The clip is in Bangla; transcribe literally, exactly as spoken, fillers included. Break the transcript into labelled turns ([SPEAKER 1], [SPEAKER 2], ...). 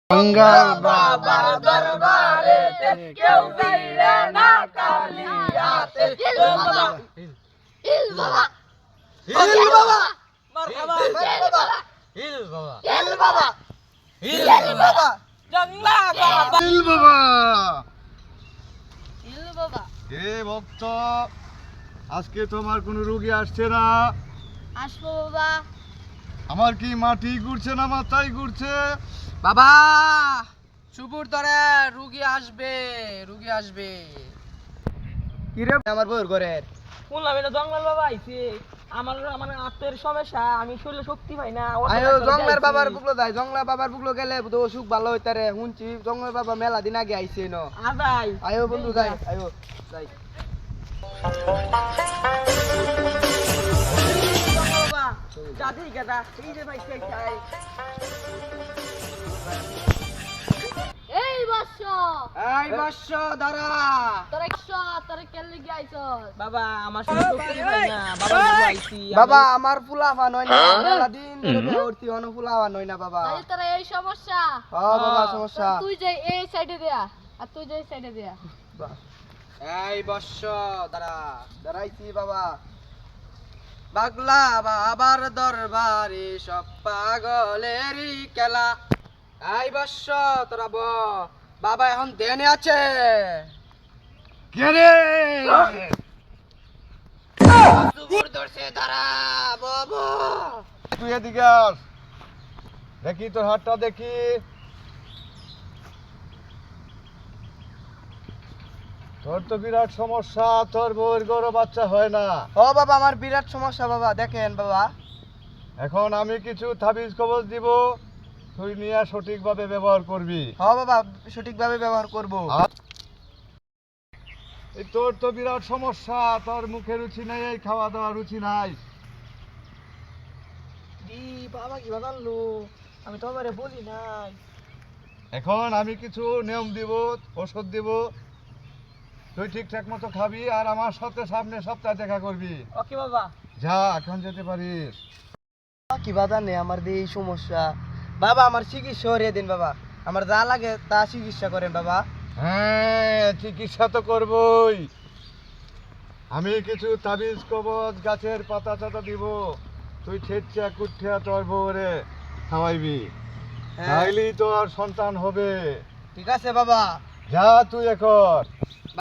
[SPEAKER 1] मंगल बाबा दरबारे क्यों गईले ना कालियाते हिल बाबा हिल बाबा हिल बाबा मरहबा मरहबा हिल बाबा हिल बाबा हिल बाबा जंगला बाबा हिल बाबा हिल बाबा হে ভক্ত আজকে তোমার কোনো রোগী আসছে না?
[SPEAKER 2] আসবো বাবা।
[SPEAKER 1] আমার কি মাটি ঘুরছে না মাথায় ঘুরছে?
[SPEAKER 3] বাবা সুপুর ধরে রুগী আসবে রুগী আসবে
[SPEAKER 1] কি রে আমার বউর ঘরের
[SPEAKER 3] শুনলাম এটা জঙ্গল বাবা আইছে আমার আমার আত্মের সমস্যা আমি শরীরে শক্তি পাই না
[SPEAKER 1] আয়ো জঙ্গলের বাবার বুকলো যাই জঙ্গলের বাবার বুকলো গেলে তো অসুখ ভালো হইতারে শুনছি জঙ্গলের বাবা মেলা দিন আগে আইছে ন
[SPEAKER 3] আদাই
[SPEAKER 1] আয়ো বন্ধু যাই আয়ো যাই
[SPEAKER 3] বাবা দাদি গাদা এই যে ভাই চাই
[SPEAKER 2] এই বর্ষ
[SPEAKER 3] এই বর্ষ দাঁড়া
[SPEAKER 2] তোরা বর্ষ তোরা কেলে গাইছস?
[SPEAKER 3] বাবা আমার শরীরে শক্তি পাই না বাবা আইছি
[SPEAKER 1] বাবা আমার ফুলাফা নয় না মেলা দিন ধরে উঠতি অন ফুলাফা নয় না বাবা
[SPEAKER 2] তাই তোরা এই সমস্যা।
[SPEAKER 1] হ্যাঁ বাবা সমস্যা
[SPEAKER 2] তুই যে এই সাইডে দেয়া আর তুই যে এই সাইডে দেয়া।
[SPEAKER 3] এই বর্ষ দাঁড়া
[SPEAKER 1] দাঁড়াইছি বাবা
[SPEAKER 3] পাগলা বাবার দরবারে সব পাগলেরই খেলা এই বর্ষ তোরা ব বাবা এখন দেনে আছে
[SPEAKER 1] কে রে
[SPEAKER 3] সুপুর ধরছে দাঁড়া বাবা
[SPEAKER 1] তুই এদিকে আস দেখি তোর হাতটা দেখি তোর তো বিরাট সমস্যা তোর বউয়ের গরু বাচ্চা হয় না
[SPEAKER 3] ও বাবা আমার বিরাট সমস্যা বাবা দেখেন বাবা
[SPEAKER 1] এখন আমি কিছু তাবিজ কবজ দিব তুই নিয়ে সঠিকভাবে ব্যবহার করবি
[SPEAKER 3] হ বাবা সঠিকভাবে ব্যবহার করব
[SPEAKER 1] আর এই তোর তো বিরাট সমস্যা তোর মুখে রুচি নেই এই খাওয়া দাওয়া রুচি নাই
[SPEAKER 3] দি বাবা কি বাগানলো আমি তো আমারে বলি নাই
[SPEAKER 1] এখন আমি কিছু নিয়ম দিব ওষুধ দিব তুই ঠিকঠাক মতো খাবি আর আমার সাথে সামনে সপ্তাহে দেখা করবি
[SPEAKER 3] ওকে বাবা
[SPEAKER 1] যা এখন যেতে পারিস
[SPEAKER 3] কি বাধা নেই আমার দিয়ে এই সমস্যা বাবা আমার চিকিৎসা করিয়ে দিন বাবা আমার যা লাগে তা চিকিৎসা করেন বাবা
[SPEAKER 1] হ্যাঁ চিকিৎসা তো করবই আমি কিছু তাবিজ কবজ গাছের পাতা টাতা দিব তুই ঠেটচা কুঠিয়া তোর বউরে খাওয়াইবি
[SPEAKER 3] হ্যাঁ।
[SPEAKER 1] তাইলেই তোর সন্তান হবে
[SPEAKER 3] ঠিক আছে বাবা
[SPEAKER 1] যা তুই এখন